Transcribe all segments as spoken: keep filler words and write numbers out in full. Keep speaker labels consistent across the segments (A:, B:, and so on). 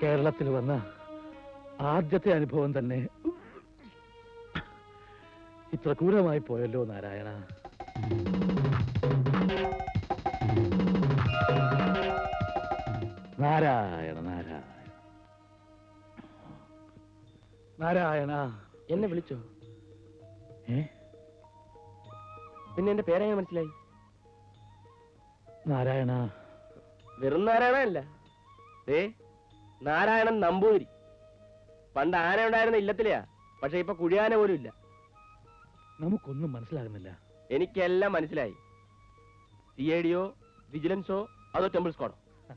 A: കേരളത്തിൽ വന്ന ആദ്യത്തെ അനുഭവം തന്നെ ഇത്ര ക്രൂരമായി പോയല്ലോ നാരായണ. നാരായണ നാരായണ നാരായണ.
B: എന്നെ വിളിച്ചോ?
A: ഏ
B: പിന്നെ എന്റെ പേരെങ്ങനെ മനസ്സിലായി?
A: നാരായണ.
B: വെറും നാരായണല്ല, ഏ നാരായണൻ നമ്പൂതിരി. പണ്ട് ആന ഉണ്ടായിരുന്ന ഇല്ലത്തിലെയാ, പക്ഷെ ഇപ്പൊ കുഴിയാന പോലും ഇല്ല.
A: നമുക്കൊന്നും മനസ്സിലാകുന്നില്ല.
B: എനിക്കെല്ലാം മനസ്സിലായി. സി ഐ ഡിയോ വിജിലൻസോ അതോ ടെമ്പിൾ സ്ക്വാഡോ?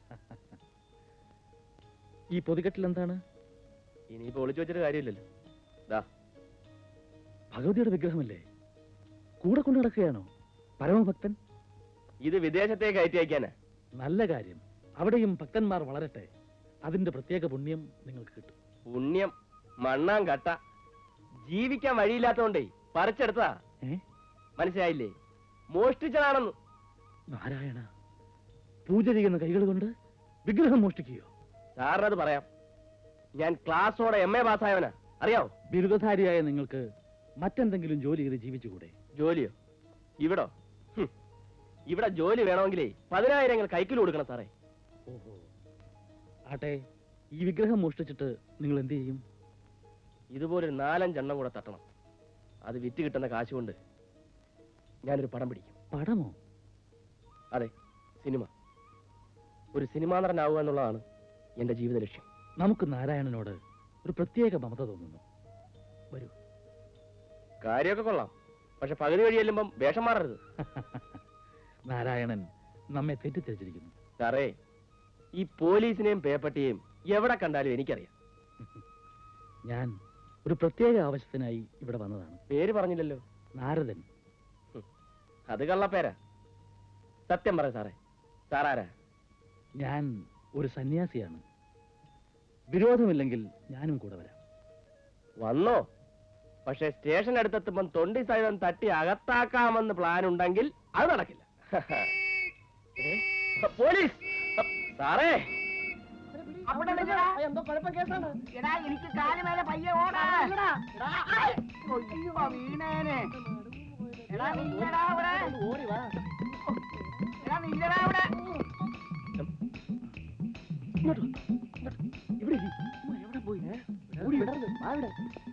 A: ഈ പൊതികെട്ടിൽ എന്താണ്?
B: ഇനിയിപ്പോ ഒളിച്ചു വെച്ചിട്ട് കാര്യമില്ലല്ലോ. ദാ
A: ഭഗവതിയുടെ വിഗ്രഹമല്ലേ? കൂടെ കൊണ്ടു നടക്കുകയാണോ പരമഭക്തൻ?
B: ഇത് വിദേശത്തേക്ക് കയറ്റി അയക്കാനാ.
A: നല്ല കാര്യം. അവിടെയും ഭക്തന്മാർ വളരട്ടെ. അതിന്റെ പ്രത്യേക പുണ്യം നിങ്ങൾക്ക് കിട്ടും.
B: പുണ്യം മണ്ണാൻ കട്ട. ജീവിക്കാൻ വഴിയില്ലാത്തോണ്ടേ പറിച്ചെടുത്താ. മനസ്സിലായില്ലേ? മോഷ്ടിച്ചതാണെന്ന്.
A: നാരായണ, പൂജ ചെയ്യുന്ന കൈകൾ കൊണ്ട് വിഗ്രഹം മോഷ്ടിക്കുകയോ?
B: സാറിനത് പറയാം. ഞാൻ ക്ലാസ്സോടെ എം എ പാസ്സായവനാ, അറിയാവോ?
A: ബിരുദധാരിയായ നിങ്ങൾക്ക് മറ്റെന്തെങ്കിലും ജോലി ചെയ്ത് ജീവിച്ചുകൂടെ?
B: ജോലിയോ? ഇവിടോ? ഇവിടെ ജോലി വേണമെങ്കിലേ പതിനായിരങ്ങൾ കൈക്കിൽ കൊടുക്കണം സാറേ.
A: ഓഹോ. ആട്ടെ, ഈ വിഗ്രഹം മോഷ്ടിച്ചിട്ട് നിങ്ങൾ എന്ത് ചെയ്യും?
B: ഇതുപോലൊരു നാലഞ്ചെണ്ണം കൂടെ തട്ടണം. അത് വിറ്റ് കിട്ടുന്ന കാശ് കൊണ്ട് ഞാനൊരു പടം പിടിക്കും.
A: പടമോ?
B: അതെ, സിനിമ. ഒരു സിനിമാ നടനാവുക എന്നുള്ളതാണ് എന്റെ ജീവിത ലക്ഷ്യം.
A: നമുക്ക് നാരായണനോട് ഒരു പ്രത്യേക മമത തോന്നുന്നു. വരൂ.
B: കാര്യമൊക്കെ കൊള്ളാം, പക്ഷെ പകുതി വഴി ചെല്ലുമ്പം വേഷം മാറരുത്.
A: നാരായണൻ നമ്മെ തെറ്റിദ്ധരിച്ചിരിക്കുന്നു.
B: സാറേ, ഈ പോലീസിനെയും പേപ്പട്ടിയെയും എവിടെ കണ്ടാലും എനിക്കറിയാം.
A: ഞാൻ ഒരു പ്രത്യേക ആവശ്യത്തിനായി ഇവിടെ വന്നതാണ്.
B: പേര് പറഞ്ഞില്ലല്ലോ.
A: നാരദൻ.
B: അത് കള്ളപ്പേരാ. സത്യം പറ സാറേ, സാറാരാ?
A: ഞാൻ ഒരു സന്യാസിയാണ്. വിരോധമില്ലെങ്കിൽ ഞാനും കൂടെ വരാം.
B: വന്നോ? പക്ഷെ സ്റ്റേഷൻ അടുത്തെത്തുമ്പം തൊണ്ടി സഹിതം തട്ടി അകത്താക്കാമെന്ന് പ്ലാൻ ഉണ്ടെങ്കിൽ അത് നടക്കില്ല. പോലീസ് സാറേ,
C: എന്തോ കുഴപ്പം കേസാണ്. എടാ, എനിക്ക് കാല് മേലെ പയ്യെ ഓടാ. വീണേനെ. എടാ നില്ലടാ അവിടെ. എടാ നില്ലടാ അവിടെ.
A: ഇവിടെ
C: എവിടെ പോയി? ഓടി വിടരുത്. വാ ഇവിടെ.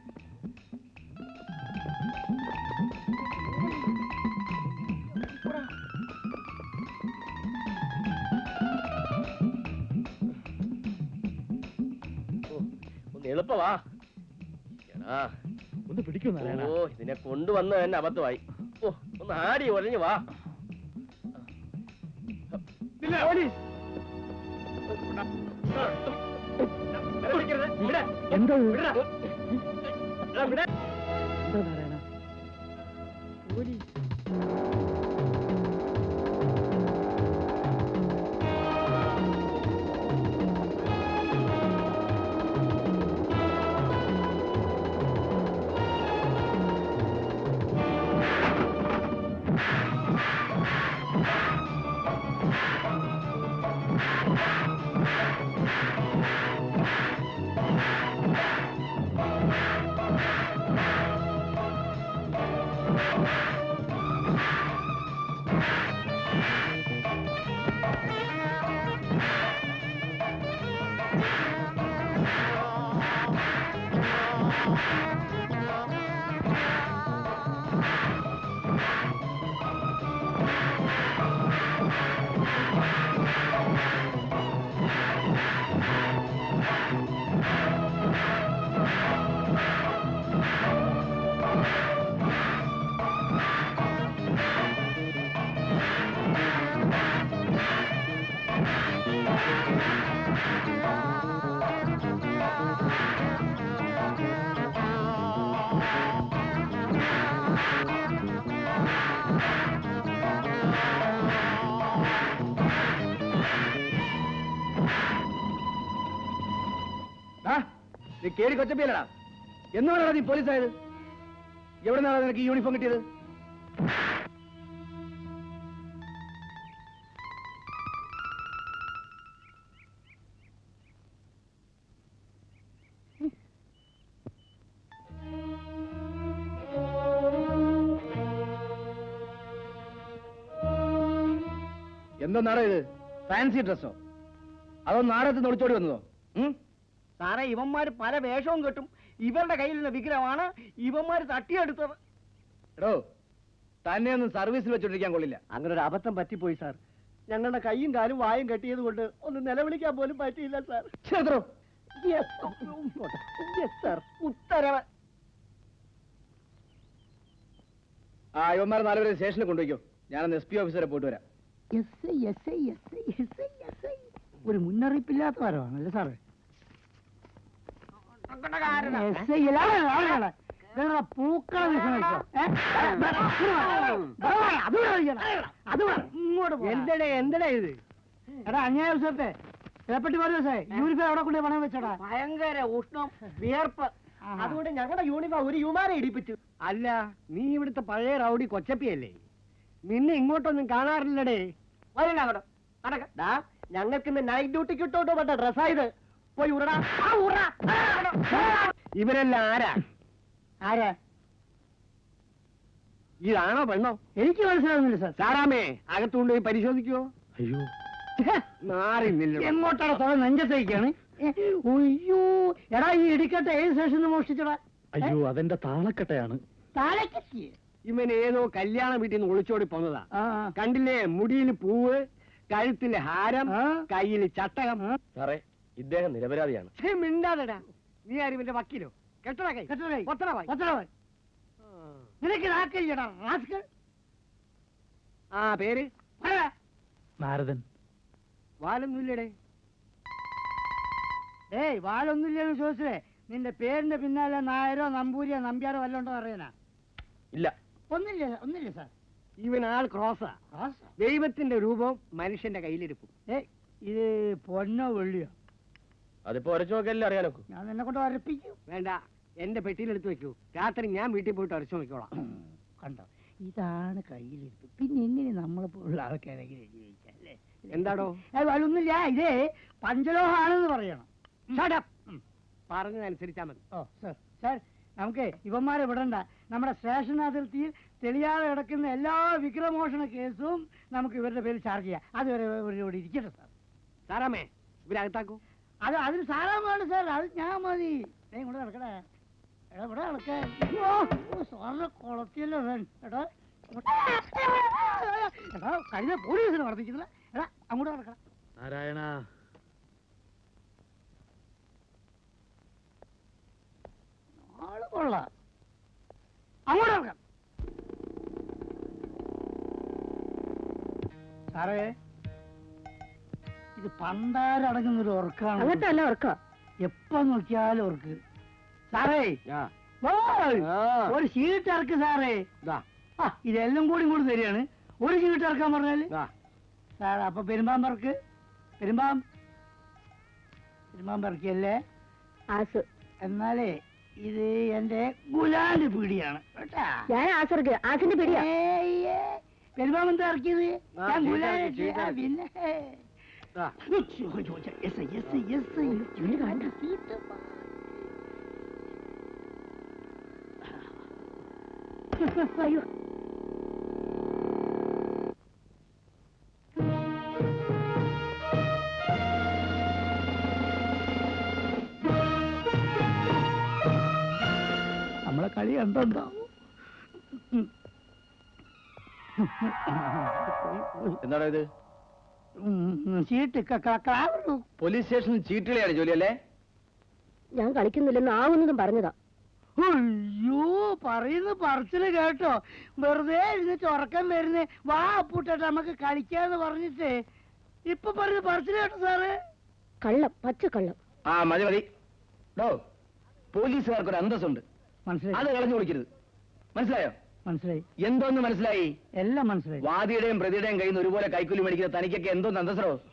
B: എളുപ്പവാ.
A: ഒന്ന് പിടിക്കും.
B: ഓ, ഇതിനെ കൊണ്ടുവന്ന് തന്നെ അബദ്ധമായി. ഓ, ഒന്ന് ആടി ഒഴഞ്ഞു വാ. പോലീസ്.
A: എന്താ
B: നാരായണ?
A: പോലീസ്.
B: നീ കേറി കൊച്ചപ്പിയല്ലടാ. എന്നാണ് നീ പോലീസായത്? എവിടെ നിന്നാണ് നിനക്ക് ഈ യൂണിഫോം കിട്ടിയത്?
D: എന്തോ നാടോ ഇത്? ഫാൻസി ഡ്രസ്സോ അതോ നാടകത്തിൽ ഒളിച്ചോടി വന്നതോ?
C: സാറേ ഇവന്മാര് പല വേഷവും കെട്ടും. ഇവരുടെ കയ്യിലുള്ള വിഗ്രഹമാണ് ഇവന്മാര് തട്ടിയെടുത്തത്.
D: എടോ, തന്നെ ഒന്നും സർവീസിൽ വെച്ചോണ്ടിരിക്കാൻ കൊള്ളില്ല.
C: അങ്ങനെ ഒരു അബദ്ധം പറ്റിപ്പോയി സാർ. ഞങ്ങളുടെ കൈയും കാലും വായും കെട്ടിയത് കൊണ്ട് ഒന്ന് നിലവിളിക്കാൻ പോലും പറ്റിയില്ല സാർ.
D: ക്ഷേത്രോ?
C: സാർ ഉത്തരവ്.
D: ആ ഇവന്മാർ നാലുപേരെ സ്റ്റേഷനിൽ കൊണ്ടുപോയിക്കോ. ഞാനൊന്ന് എസ് പി ഓഫീസറെ പോയിട്ട് വരാം.
C: ഒരു മുന്നറിയിപ്പില്ലാത്ത വരവാണല്ലേ സാറേ? പൂക്കള എന്തടേ എന്തടേ ഇത്? എടാ അന്യായത്തെ ഏപ്പറ്റി പറഞ്ഞേ യൂണിഫോം എവിടെ കൊണ്ട് പണം വെച്ചടാ? ഭയങ്കര ഉഷ്ണം, വിയർപ്പ്. അതുകൊണ്ട് ഞങ്ങളുടെ യൂണിഫോം ഒരു യുമാരെ ഇടിപ്പിച്ചു. അല്ല, നീ ഇവിടുത്തെ പഴയ റൗഡി കൊച്ചപ്പിയല്ലേ? നിന്നെ ഇങ്ങോട്ടൊന്നും കാണാറില്ലടേ. വരണ്ട അങ്ങോട്ട് നടക്കടാ. ഞങ്ങൾക്ക് ഇന്ന് നൈറ്റ് ഡ്യൂട്ടിക്ക് ഇട്ടോട്ടോ പറ്റ ഡ്രസ്സായത്. പോയി ഉറടാ. ഇവരെല്ലാം ആരാ? ആരാ? ഇതാണോ പെണ്ണോ? എനിക്ക് മനസ്സിലാവുന്നില്ല സാർ. സാറാമേ അകത്തുകൊണ്ട് പോയി പരിശോധിക്കുവോ?
A: അയ്യോ,
C: മാറിന്നില്ല. എങ്ങോട്ടാണ് തോന്നുന്നത്? നെഞ്ചത്തേക്കാണ്. അയ്യോ എടാ, ഈ ഇടിക്കട്ടെ ഏത് സ്റ്റേഷനിൽ മോഷ്ടിച്ചടാ?
A: അയ്യോ, അതെന്റെ താളക്കട്ടയാണ്.
C: താഴേക്ക് ഇവൻ ഏതോ കല്യാണ വീട്ടിൽ നിന്ന് ഒളിച്ചോടി പോന്നതാ. കണ്ടില്ലേ? മുടിയിൽ പൂവ്, കഴുത്തില് ഹാരം, കയ്യിൽ ചട്ടകം.
B: സാറേ, ഇദ്ദേഹം നിരപരാധിയാണ്.
C: മിണ്ടാതെടാ. നീ ആരും ഇവന്റെ വക്കീലോ? കെട്ടടാ കൈ. നിനക്ക് നാക്കില്ലടാ റാസ്കൽ. ആ പേര്
A: നാരദൻ.
C: വാലൊന്നുമില്ലടേ. ഏയ് വാലൊന്നുമില്ലെന്ന് ചോദിച്ചേ. നിന്റെ പേരിന്റെ പിന്നാലെ നായരോ നമ്പൂരിയോ നമ്പ്യാരോ വല്ല ഉണ്ടോ അറിയാനാ?
B: ഇല്ല,
C: ഒന്നില്ല ഒന്നില്ല സാർ. ഇവൻ ആൾ ക്രോസാ. ദൈവത്തിന്റെ രൂപം മനുഷ്യന്റെ കയ്യിലിരിക്കും. ഏയ് ഇത് പൊന്നോ വെള്ളിയോ?
B: അതിപ്പോ ഉരച്ചു നോക്കല്ലേ അറിയാനൊക്കെ.
C: ഞാൻ നിന്നെ കൊണ്ട് ഉരപ്പിക്കും. വേണ്ട, എന്റെ പെട്ടിയിലെടുത്ത് വെക്കൂ. രാത്രി ഞാൻ വീട്ടിൽ പോയിട്ട് ഉരച്ചു നോക്കിക്കോളാം. കണ്ടോ, ഇതാണ് കയ്യിലിരിപ്പ്. പിന്നെ എങ്ങനെ നമ്മളെ പോലുള്ള ആൾക്കാരെങ്കിലും ജീവിക്കല്ലേ? എന്താടോ? ഒന്നുമില്ല, ഇതേ പഞ്ചലോഹാണെന്ന് പറയണം. പറഞ്ഞതനുസരിച്ചാ മതി. ഓ സാർ സാർ, നമുക്ക് ഇവന്മാരെ വിടണ്ട. നമ്മുടെ സ്റ്റേഷൻ അതിർത്തിയിൽ തെളിയാതെ കിടക്കുന്ന എല്ലാ വിഗ്രഹമോഷണ കേസും നമുക്ക് ഇവരുടെ പേരിൽ ചാർജ് ചെയ്യാം. അതുവരെ ഇവരോട് ഇരിക്കട്ടെ സാർ. സാറാമേ ഇവരകത്താക്കൂ. അത് അതിന് സാറാമാണ് സാർ. അത് ഞാൻ മതി. ഇങ്ങോട്ട് കിടക്കണേ. എടാ ഇവിടെ കിടക്കാൻ സാറിനെ കുളത്തിയല്ലോ എടാ. എടാ കഴിഞ്ഞ പോലീസിനെ വർദ്ധിക്കുന്നില്ല. എടാ അങ്ങോട്ട് കിടക്കണം.
A: നാരായണ,
C: ആള് കൊള്ളാം. അങ്ങോട്ട് കിടക്കാം. സാറേ, ഇത് പണ്ടാരടങ്ങുന്നൊരു ഉറക്കാണ്.
E: അങ്ങനത്തെ ഉറക്ക
C: എപ്പോ നോക്കിയാലും ഉറക്ക്. സാറേ ഒരു ഷീട്ട് ഇറക്ക് സാറേ. ആ ഇതെല്ലാം കൂടി കൂടി തരികയാണ്. ഒരു ഷീട്ട് ഇറക്കാൻ പറഞ്ഞാല് സാർ. അപ്പൊ പെരുമ്പാമ്പറക്ക് പെരുമ്പാം പെരുമ്പാമ്പറക്കല്ലേ? എന്നാലേ ഇത് എന്റെ ഗുലാന്റെ പീടിയാണ് കേട്ടാ.
E: ഞാൻ ആസർക്ക് ആസിന്റെ പിടിയാ.
C: പെരുമ്പാമ്പെന്താ ഇറക്കിയത്? ഞാൻ ഗുലാന്റെ പിന്നെ
E: അയ്യോ,
C: നമ്മളെ കളി കണ്ടുണ്ടാവും.
D: എന്താണോ ഇത്?
C: ചീട്ട്
D: പോലീസ് സ്റ്റേഷനിൽ ചീട്ടുകളിയാണ് ജോലി അല്ലേ?
E: ഞാൻ കളിക്കുന്നില്ലെന്ന് ആവുന്നതും പറഞ്ഞതാ.
C: അയ്യോ, പറയുന്ന പറച്ചില് കേട്ടോ. വെറുതെ ഇരുന്നിട്ട് ഉറക്കം വരുന്നേ. വാ പൂട്ടെ നമുക്ക് കളിക്കാന്ന് പറഞ്ഞിട്ട് ഇപ്പൊ പറഞ്ഞ പറച്ചില് കേട്ടോ സാറ്.
E: കള്ളം, പച്ച കള്ളം.
D: ആ മതി മതി. ഡോ, പോലീസുകാർക്കൊരു അന്തസ്സുണ്ട്.
C: മനസ്സിലായി?
D: അത് കളഞ്ഞു കൊടുക്കരുത്. മനസ്സിലായോ?
C: മനസ്സിലായി.
D: എന്തോന്ന് മനസ്സിലായി?
C: എല്ലാം മനസ്സിലായി.
D: വാദിയുടെയും പ്രതിയുടെയും കയ്യിൽ നിന്ന് ഒരുപോലെ കൈക്കൂലി മേടിക്കുന്ന തനിക്കൊക്കെ എന്തോന്ന് അന്തസ്സറോ?